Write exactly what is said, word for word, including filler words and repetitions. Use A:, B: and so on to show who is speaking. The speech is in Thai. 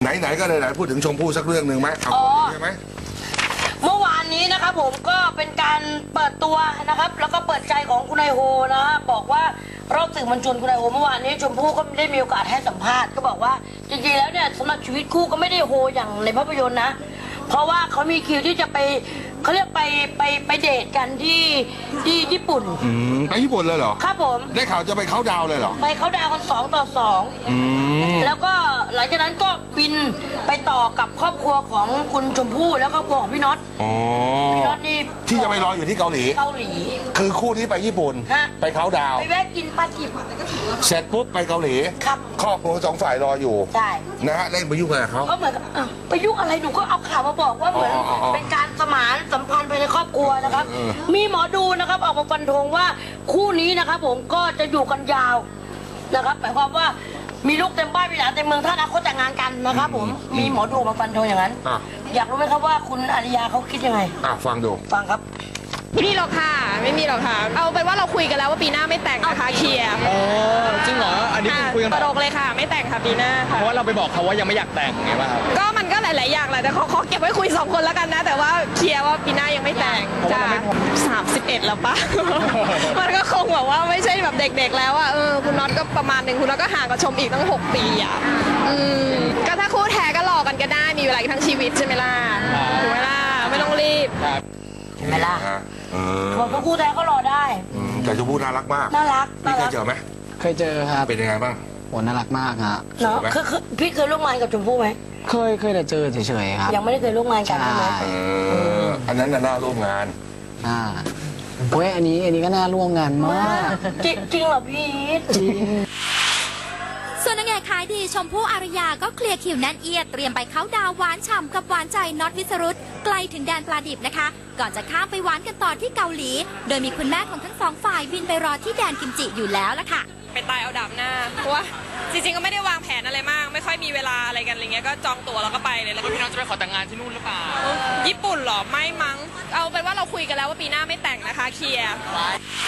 A: ไหนๆก็ไหนๆพูดถึงชมพู่สักเรื่องหนึ่งไหมเอาใช่ไหม
B: เมื่อวานนี้นะครับผมก็เป็นการเปิดตัวนะครับแล้วก็เปิดใจของคุณนายโฮนะฮะบอกว่ารอบสื่อมวลชนคุณนายโฮเมื่อวานนี้ชมพู่ก็ได้มีโอกาสให้สัมภาษณ์ก็บอกว่าจริงๆแล้วเนี่ยสำหรับชีวิตคู่ก็ไม่ได้โฮอย่างในภาพยนตร์นะเพราะว่าเขามีคิวที่จะไปเขาเรียกไปไปไปเดทกันที่ที่ญี่ปุ่น
A: อืมไปญี่ปุ่นเลยเหรอ
B: ครับผม
A: ได้ข่าวจะไปเขาดาวเลยเหรอ
B: ไปเขาดาวกันสองต่อสองแล้วก็หลังจากนั้นก็บินไปต่อกับครอบครัวของคุณชมพู่แล้วก็ครอบครัวของพี่น็อตพี่น็อตนี่
A: ที่จะไปรออยู่ที่เกาหลี
B: เกาหลี
A: คือคู่ที่ไปญี่ปุ่นไปเขาดาว
B: ไปแวะกินปลาจิบ
A: เสร็จปุ๊บไปเกาหลี
B: ครับ
A: ครอบครัวสองฝ่ายรออยู่
B: ใช่
A: นะฮะเล่นไปยุ่งอะไรเขา
B: ก็เหมือนกับไปยุ่งอะไรหนูก็เอาข่าวมาบอกว่าเหมือนเป็นการสมานสัมพันธ์ภายในครอบครัวนะครับมีหมอดูนะครับออกมาฟันธงว่าคู่นี้นะครับผมก็จะอยู่กันยาวนะครับหมายความว่ามีลูกเต็มบ้านมีหลานเต็มเมืองถ้าอนาคตแต่งงานกันนะครับผมมีหมอดูมาฟันธงอย่างนั้นอยากรู้ไหมครับว่าคุณอาริยาเขาคิดยังไง
A: อ่ะฟังดู
B: ฟังครับ
C: ไม่มีหรอกค่ะไม่มีหรอกค่ะเอาเป็นว่าเราคุยกันแล้วว่าปีหน้าไม่แต่งนะคะเคลียร์
D: โอ้จริงเหรออันนี้คุยกัน
C: ตลกเลยค่ะไม่แต่งค่ะปีหน้าค่ะ
D: เพราะว่าเราไปบอกเขาว่ายังไม่อยากแต่งไงป่ะครับ
C: ก็มันก็หลายๆอย่างแหละแต่ขอขอเก็บไว้คุยสองคนแล้วกันนะแต่ว่าเคลียร์ว่าปีหน้ายังไม่แต่งจ้าสามสิบเอ็ดแล้วปะมันก็คงแบบว่าไม่ใช่แบบเด็กๆแล้วอ่ะเออคุณน็อตก็ประมาณหนึ่งคุณน็อตก็ห่างกับชมอีกตั้งหกปีอ่ะอืมก็ถ้าคู่แท้ก็รอกันก็ได้มีเวลาทั้งชีวิตใช่ไหมล่ะถูกไหมล่ะไม่ต้องรีบ
B: ใช่ไหมล่ะบอกพวกคู่แท้ก็รอได้
A: แต่ชมพู่น่ารักมาก
B: น่ารัก
A: พี่เคยเจอไหม
D: เคยเจอครับ
A: เป็นยังไงบ้าง
D: โหน่ารักมากฮะ
B: เนาะคือพี่เคยร่วมงานกับชมพู่ไหม
D: เคยเคยแต่เจอเฉยๆครับ
B: ยังไม่ได้เคยร่วมงานกันใช่ไหม
A: อันนั้นน่าร่วมงาน
D: อ่าเว้ยอันนี้อันนี้ก็น่าร่วมงานมาก
B: จริงจริงเหรอพี่จริง
E: ส่วนนางเอกขายดีชมพู่อารยาก็เคลียร์คิวแน่นเอียดเตรียมไปเข้าดาวหวานฉ่ำกับหวานใจน็อตวิสรุตไกลถึงแดนปลาดิบนะคะก่อนจะข้ามไปหวานกันต่อที่เกาหลีโดยมีคุณแม่ของทั้งสองฝ่ายบินไปรอที่แดนกิมจิอยู่แล้วล่ะค่ะ
C: ไปตายเอาดาบหน้าเพราะว่าจริงๆก็ไม่ได้วางแผนอะไรมากไม่ค่อยมีเวลาอะไรกันอะไรเงี้ยก็จองตั๋วแล้วก็ไปเลยแล้วพี่น้องจะไปขอแต่งงานที่นู่นหรือเปล่าญี่ปุ่นหรอไม่มั้งเอาเป็นว่าเราคุยกันแล้วว่าปีหน้าไม่แต่งนะคะเคลียร์